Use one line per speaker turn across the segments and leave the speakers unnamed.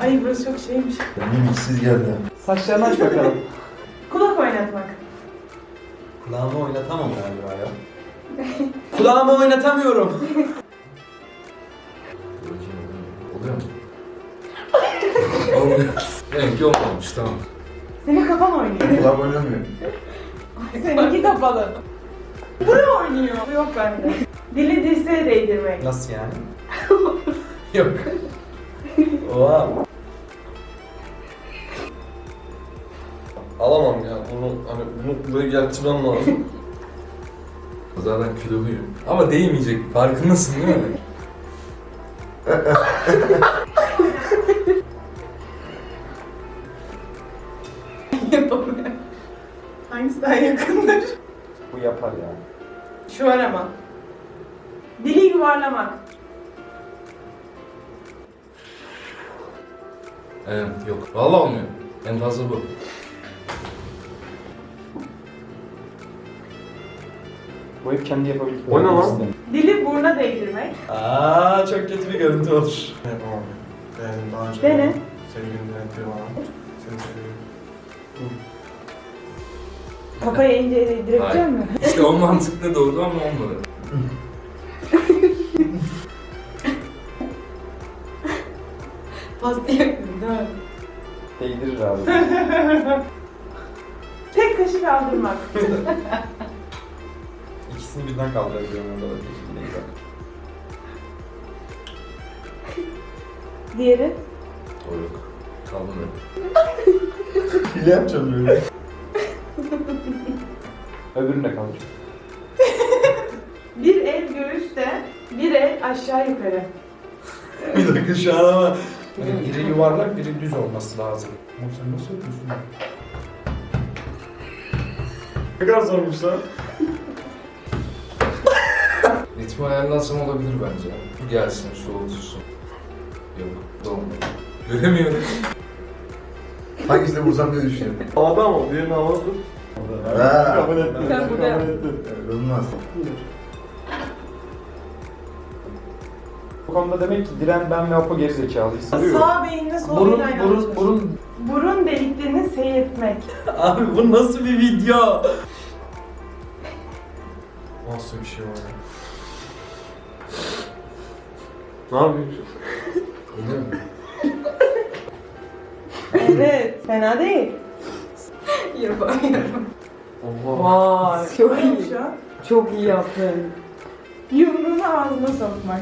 Ay burası çok şeymiş.
Mimiksiz geldi.
Saçlarını aç bakalım.
Kulak oynatmak.
Kulağımı oynatamam galiba ya. Kulağımı oynatamıyorum.
Oluyor mu? Olmuyor. Benimki olmamış, tamam.
Senin kafan oynuyor.
Kulak oynamıyor.
Seninki kapalı. Buraya oynuyor. Bu yok bende. Dili dirseğe değdirmek.
Nasıl yani?
Yok.
Oha.
Alamam ya. Bunu buraya getirmem lazım.
Zaten kiloluyum. Ama değmeyecek, farkındasın değil mi?
Yapamıyorum. Hangisi daha yakındır?
Bu yapar ya.
Şu var ama. Dili yuvarlamak.
Yok. Vallahi olmuyor. En fazla bu.
Bu hep kendi yapabildiği.
O ne lan?
Dili buruna değdirmek.
Aaa çok kötü bir görüntü olur.
Yapamam. Ben daha önce
Dene.
sevgilim denetleri bana. Seni seviyorum.
Kafaya ince değdirebilecek
Hayır.
misin?
İşte o mantıkla doğru ama olmadı.
Pasta yakın değil mi?
Değdirir abi.
Tek kaşı kaldırmak.
İkisini birden kaldırabiliyorum orada da değil bak.
Diğeri.
O yok. Kalmadı.
Hile yapacağım böyle.
Öbürünü de kaldır.
Bir el göğüste, bir el aşağı yukarı.
Bir dakika şu an ama.
Biri yuvarlak, biri düz olması lazım. Oğlum sen nasıl yapıyorsun?
Ne kadar zormuş lan.
Ritmi ayarlansam olabilir bence. Bu gelsin, şu otursun. Yok, olmadı. Göremiyorum.
Hangisine vursam diye düşünüyorum.
Havada ama diğerini havada tut.
Ha.
Kabul ettim.
Ben bu da-
Kabul ettim.
Olmaz.
Bu konuda demek ki Diren, ben ve Apo gerizekalıyız.
Sağ beyinle sol beyin aynı anda çalışıyor. Burun deliklerini seyretmek.
Abi bu nasıl bir video?
Nasıl bir şey var ya? Ne yapıyorsun?
Oluyor mu?
Evet, fena değil. Yapamıyorum.
Allah.
Vay, çok iyi. Çok iyi yaptın. Yumruğunu ağzına sokmak.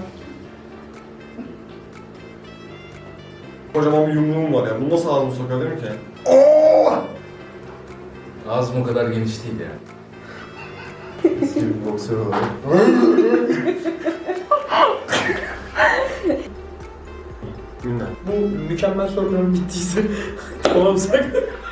Kocaman bir yumruğum var ya. Bunu nasıl ağzıma sokabilirim ki?
Ağzım o kadar geniş değil yani.
Eski bir boksör olarak.
Günler.
Bu mükemmel soruların bittiyse tamamsak.